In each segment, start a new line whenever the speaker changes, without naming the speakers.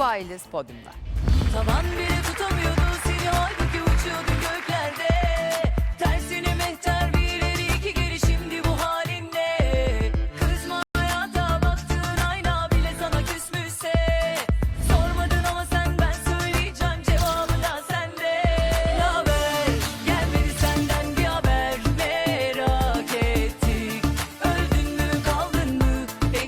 Tuğba İliz podyumda.
Tavan bile tutamıyordu seni, halbuki uçuyordun göklerde. Tersine mehter bir ileri iki geri, şimdi bu halinle. Kızma hayata, baktığın ayna bile sana küsmüşse. Sormadın ama sen, ben söyleyeceğim, cevabı da sende. Naber, gelmedi senden bir haber, merak ettik. Öldün mü kaldın mı,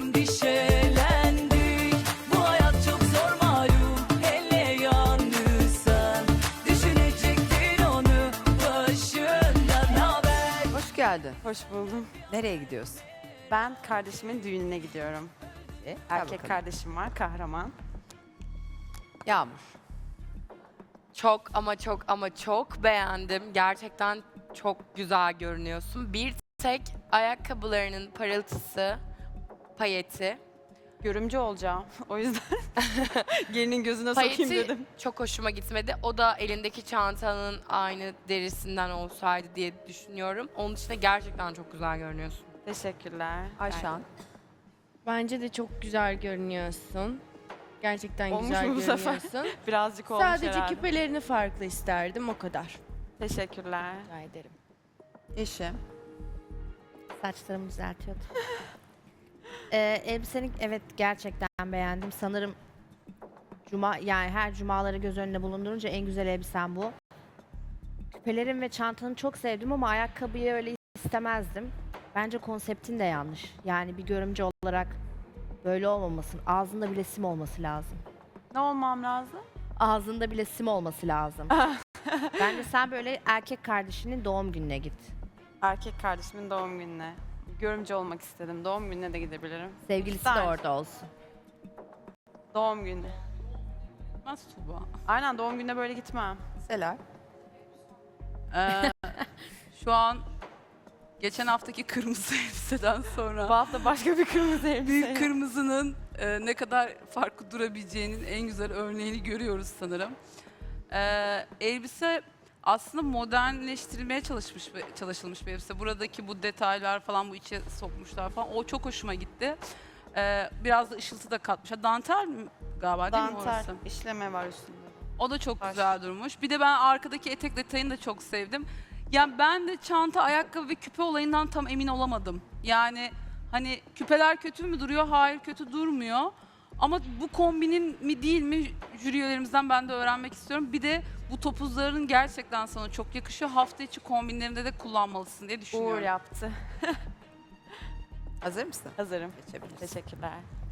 endişelendik. Bu hayat çok zor malum, hele yalnızsan. Düşünecektin onu başından. Naber?
Hoş geldin.
Hoş buldum.
Nereye gidiyorsun?
Ben kardeşimin düğününe gidiyorum.
Gel
Erkek
bakalım.
kardeşim var, kahraman.
Yağmur.
Çok ama çok ama çok beğendim. Gerçekten çok güzel görünüyorsun. Bir tek ayakkabılarının parıltısı, payeti.
Görümcü olacağım. O yüzden gelinin gözüne sokayım
Payeti
dedim.
çok hoşuma gitmedi. O da elindeki çantanın aynı derisinden olsaydı diye düşünüyorum. Onun dışında gerçekten çok güzel görünüyorsun.
Teşekkürler.
Ayşan.
Bence de çok güzel görünüyorsun. Gerçekten
Olmuş
güzel
mu bu sefer?
görünüyorsun.
Birazcık olmuş
Sadece
herhalde.
küpelerini farklı isterdim, o kadar.
Teşekkürler.
Rica ederim.
Eşim.
Saçlarımı düzeltiyordum. Elbiseni evet gerçekten beğendim. Sanırım yani her cumaları göz önünde bulundurunca en güzel elbisen bu. Küpelerin ve çantanı çok sevdim ama ayakkabıyı öyle istemezdim. Bence konseptin de yanlış. Yani bir görümce olarak böyle olmamasın. Ağzında bile sim olması lazım.
Ne olmam lazım?
Ağzında bile sim olması lazım. Bence sen böyle erkek kardeşinin doğum gününe git.
Erkek kardeşimin doğum gününe. Görümcü olmak istedim. Doğum gününe de gidebilirim.
Sevgilisi de
İster.
orada olsun.
Doğum günü.
Nasıl Tuğba?
Aynen, doğum gününe böyle gitmem.
Selar.
Şu an geçen haftaki kırmızı elbiseden sonra
Bu hafta başka bir kırmızı elbise.
büyük kırmızının ne kadar farklı durabileceğinin en güzel örneğini görüyoruz sanırım. Elbise aslında modernleştirilmeye çalışılmış bir elbise. Buradaki bu detaylar falan, bu içe sokmuşlar falan, o çok hoşuma gitti. Biraz da ışıltı da katmış. Dantel mi galiba, değil mi
Dantel
orası?
işleme var üstünde.
O da çok
Baş.
güzel durmuş. Bir de ben arkadaki etek detayını da çok sevdim. Yani ben de çanta, ayakkabı ve küpe olayından tam emin olamadım. Yani hani küpeler kötü mü duruyor? Hayır, kötü durmuyor. Ama bu kombinin mi değil mi, jüri üyelerimizden ben de öğrenmek istiyorum. Bir de bu topuzların gerçekten sana çok yakışıyor. Hafta içi kombinlerinde de kullanmalısın diye düşünüyorum.
Uğur yaptı.
Hazır mısın?
Hazırım.
Geçebiliriz.
Teşekkürler.